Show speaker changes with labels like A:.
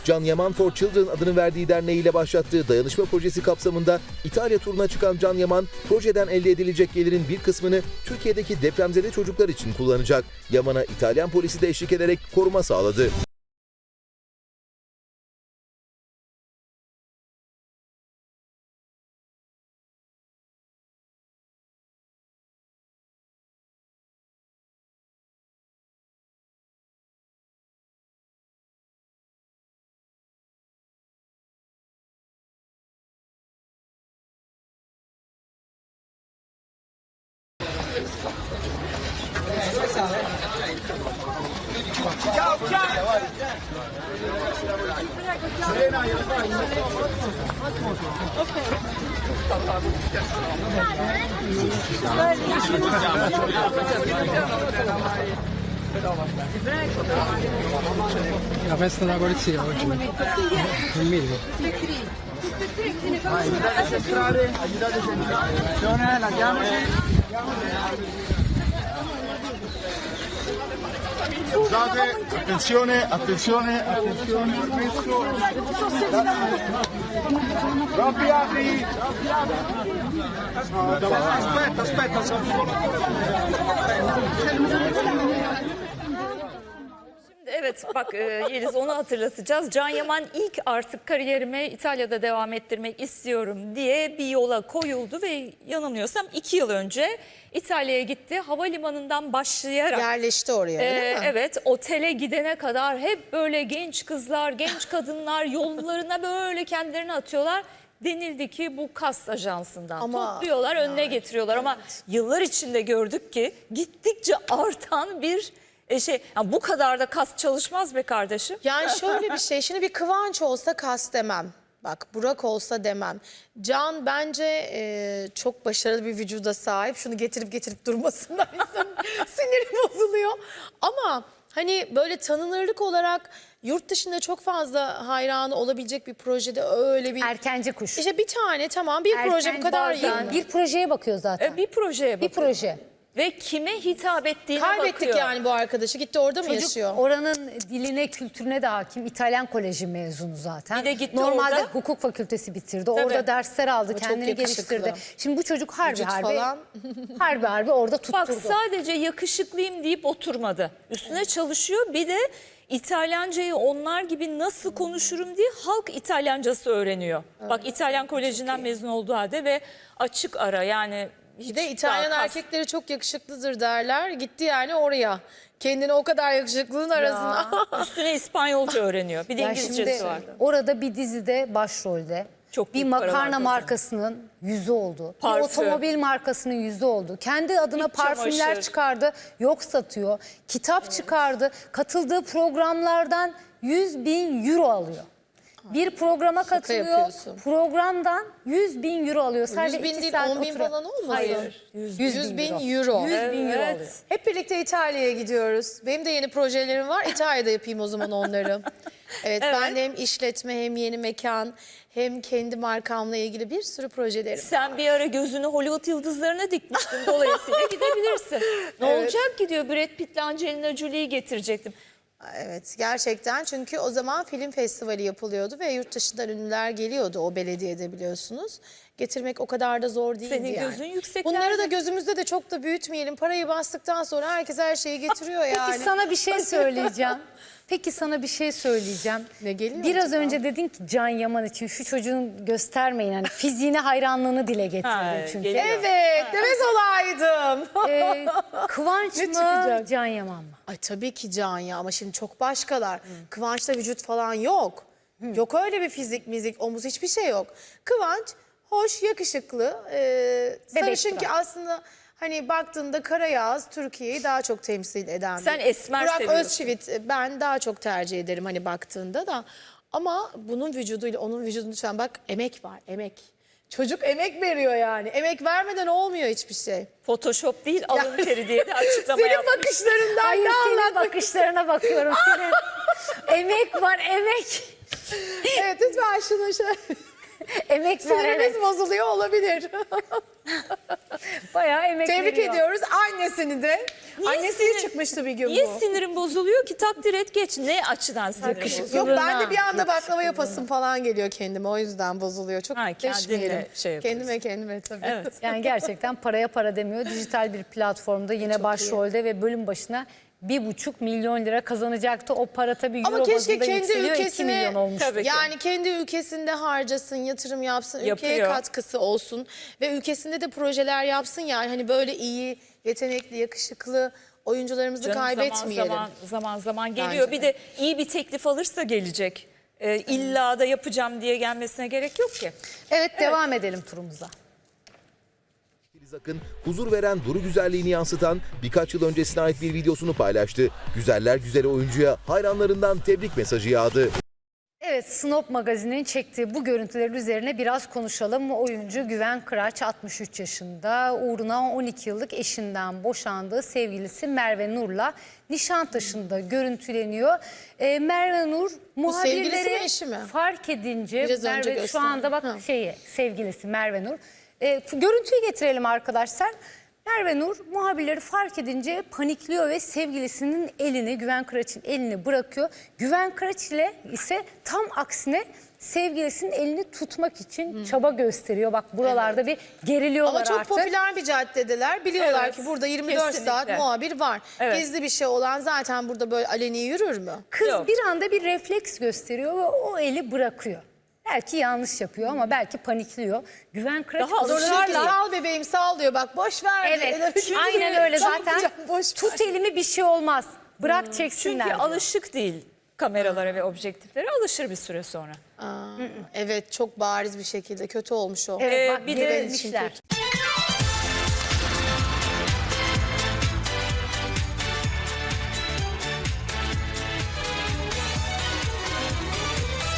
A: Can Yaman for Children adını verdiği derneğiyle başlattığı dayanışma projesi kapsamında İtalya turuna çıkan Can Yaman, projeden elde edilecek gelirin bir kısmını Türkiye'deki depremzede çocuklar için kullanacak. Yaman'a İtalyan polisi de eşlik ederek koruma sağladı.
B: La festa della polizia oggi. Non minimo.
C: Aiutateci a entrare, aiutateci a entrare. Attenzione, la chiamaci. Scusate, attenzione, attenzione, attenzione. Robby, apri. No, aspetta, aspetta.
D: Evet bak Yeliz, onu hatırlatacağız. Can Yaman ilk artık kariyerimi İtalya'da devam ettirmek istiyorum diye bir yola koyuldu ve yanılmıyorsam 2 yıl önce İtalya'ya gitti. Havalimanından başlayarak
E: yerleşti oraya, değil mi?
D: evet, otele gidene kadar hep böyle genç kızlar, genç kadınlar yollarına böyle kendilerini atıyorlar. Denildi ki bu kast ajansından topluyorlar, önüne getiriyorlar ama yıllar içinde gördük ki gittikçe artan bir yani bu kadar da kas çalışmaz be kardeşim.
E: Yani şöyle bir şey, şimdi bir Kıvanç olsa kas demem. Bak Burak olsa demem. Can bence çok başarılı bir vücuda sahip. Şunu getirip durmasından insanın siniri bozuluyor. Ama hani böyle tanınırlık olarak yurt dışında çok fazla hayranı olabilecek bir projede öyle bir...
F: Erkenci kuş.
E: İşte bir tane tamam, bir proje bu kadar iyi.
F: Bir projeye bakıyor zaten.
D: Bir projeye bakıyor.
F: Bir proje.
D: Ve kime hitap ettiğine
E: Kaybettik
D: bakıyor.
E: yani bu arkadaşı. Gitti orada mı
F: Çocuk
E: yaşıyor?
F: oranın diline, kültürüne de hakim. İtalyan koleji mezunu zaten.
D: Bir de gitti
F: normalde
D: orada.
F: hukuk fakültesi bitirdi. Orada dersler aldı,
E: Ama çok
F: kendini
E: yakışıklı.
F: geliştirdi. Şimdi bu çocuk harbi
E: Vücut falan.
F: harbi orada tutturdu.
D: Bak sadece yakışıklıyım deyip oturmadı. Üstüne çalışıyor. Bir de İtalyancayı onlar gibi nasıl konuşurum diye halk İtalyancası öğreniyor. Evet. Bak İtalyan kolejinden mezun olduğu halde ve açık ara yani.
E: Bir de İtalyan erkekleri çok yakışıklıdır derler. Gitti yani oraya. Kendini o kadar yakışıklılığın arasına.
D: Üstüne İspanyolca öğreniyor. Bir de
F: Ya
D: İngilizcesi
F: şimdi
D: var.
F: orada bir dizide başrolde.
D: Çok
F: bir
D: büyük para var
F: makarna
D: kızım.
F: markasının yüzü oldu.
D: Parfüm.
F: Bir otomobil markasının yüzü oldu. Kendi adına
D: İç
F: parfümler
D: çamaşır.
F: çıkardı. Yok satıyor. Kitap çıkardı. Katıldığı programlardan 100.000 euro alıyor. Bir programa katılıyor.
E: yapıyorsun.
F: Programdan 100.000 euro alıyor.
E: 100 bin değil, 10 bin falan olmasın?
F: Hayır.
E: 100 bin euro.
F: 100.000 euro alıyor.
E: Hep birlikte İtalya'ya gidiyoruz. Benim de yeni projelerim var. İtalya'da yapayım o zaman onları. Evet, ben de hem işletme hem yeni mekan hem kendi markamla ilgili bir sürü projelerim.
D: Sen bir ara gözünü Hollywood yıldızlarına dikmiştin. Dolayısıyla gidebilirsin. Ne olacak ki diyor, Brad Pitt'le Angelina Jolie'yi getirecektim.
E: Evet, gerçekten, çünkü o zaman film festivali yapılıyordu ve yurt dışından ünlüler geliyordu o belediyede, biliyorsunuz. Getirmek o kadar da zor değildi.
D: Senin
E: yani.
D: gözün yükseklerde.
E: Bunları da gözümüzde de çok da büyütmeyelim. Parayı bastıktan sonra herkes her şeyi getiriyor yani.
F: Peki sana bir şey söyleyeceğim.
E: Ne geliyor
F: Biraz
E: acaba?
F: önce dedin ki Can Yaman için şu çocuğun göstermeyin. Hani fiziğine hayranlığını dile getirdin çünkü.
D: geliyor.
E: Evet, demez olaydım.
F: Kıvanç
E: Ne
F: mı,
E: çıkacak?
F: Can Yaman mı?
E: Ay tabii ki Can ya, ama şimdi çok başkalar. Kıvanç'ta vücut falan yok. Yok öyle bir fizik, mizik, omuz, hiçbir şey yok. Kıvanç hoş, yakışıklı, sarışın ki aslında hani baktığında Karayağız Türkiye'yi daha çok temsil eden
D: Sen
E: bir.
D: esmer
E: Burak
D: seviyorsun.
E: Özçivit ben daha çok tercih ederim hani baktığında da. Ama bunun vücuduyla onun vücudunu lütfen bak, emek var, emek. Çocuk emek veriyor yani. Emek vermeden olmuyor hiçbir şey.
D: Photoshop değil, alın teri diye de açıklama
E: Senin
D: yapmış.
E: bakışlarından
F: Hayır,
E: ne
F: senin
E: anlatmak?
F: bakışlarına bakıyorum. Senin emek var, emek.
E: Evet, lütfen şunu şöyle.
F: Emek var,
E: Sinirimiz
F: evet.
E: bozuluyor olabilir.
F: Bayağı emek
E: Tebrik
F: veriyor.
E: ediyoruz annesini de.
D: Niye
E: Annesi de
D: sinir-
E: çıkmıştı bir gün
D: Niye
E: bu.
D: sinirim bozuluyor ki? Takdir et geç. Ne açıdan sinirim bozuluyor?
E: Yok ben de bir anda baklava yapasım falan geliyor kendime. O yüzden bozuluyor. Çok
D: Ha, kendine
E: deşmeyelim.
D: şey yapıyorsun.
E: Kendime tabii.
D: Evet.
F: Yani gerçekten paraya para demiyor. Dijital bir platformda yine başrolde ve bölüm başına 1,5 milyon lira kazanacaktı. O para tabii euro
E: Ama keşke
F: bazında
E: kendi
F: yükseliyor. 2
E: ülkesine
F: milyon olmuş.
D: Tabii ki.
E: yani kendi ülkesinde harcasın, yatırım yapsın, ülkeye
D: Yapıyor.
E: katkısı olsun ve ülkesinde de projeler yapsın yani hani böyle iyi, yetenekli, yakışıklı oyuncularımızı
D: Canım
E: kaybetmeyelim.
D: zaman geliyor.
E: Bence
D: Bir de iyi bir teklif alırsa gelecek. İlla da yapacağım diye gelmesine gerek yok ki.
F: Evet, devam edelim turumuza.
A: Filiz Akın huzur veren duru güzelliğini yansıtan birkaç yıl öncesine ait bir videosunu paylaştı. Güzeller güzeli oyuncuya hayranlarından tebrik mesajı yağdı.
F: Evet, Snop Magazin'in çektiği bu görüntüler üzerine biraz konuşalım. Oyuncu Güven Kıraç 63 yaşında. Uğruna 12 yıllık eşinden boşandığı sevgilisi Merve Nur'la Nişantaşı'nda görüntüleniyor. Merve Nur
E: sevgilisi mi,
F: muhabirleri
E: eşi mi?
F: fark edince
E: Biraz önce
F: Merve şu
E: gösterdim.
F: anda bak
E: Ha.
F: sevgilisi Merve Nur. Görüntüyü getirelim arkadaşlar. Merve Nur muhabirleri fark edince panikliyor ve sevgilisinin elini, Güven Kıraç'ın elini bırakıyor. Güven Kıraç ile ise tam aksine sevgilisinin elini tutmak için çaba gösteriyor. Bak buralarda bir geriliyorlar
E: Ama çok
F: artık.
E: popüler bir caddedeler. Biliyorlar
D: Evet,
E: ki burada 24 saat
D: kesinlikle.
E: muhabir var.
D: Evet.
E: Gizli bir şey olan zaten burada böyle aleni yürür mü?
F: Kız
D: Yok.
F: bir anda bir refleks gösteriyor ve o eli bırakıyor. Belki yanlış yapıyor ama belki panikliyor. Güven Kıraç
D: Daha
E: Diyor ki
F: ısrarla...
E: sal bebeğim sal diyor bak boş ver.
F: Evet,
E: diyor.
F: aynen öyle
E: Ne
F: zaten.
E: yapacağım, boş ver.
F: Tut elimi, bir şey olmaz. Bırak çeksinler.
D: Çünkü
F: diyor.
D: alışık değil kameralara ve objektiflere. Alışır bir süre sonra.
E: Evet çok bariz bir şekilde kötü olmuş o.
F: Evet, bak
D: bir de
F: gerilmişler.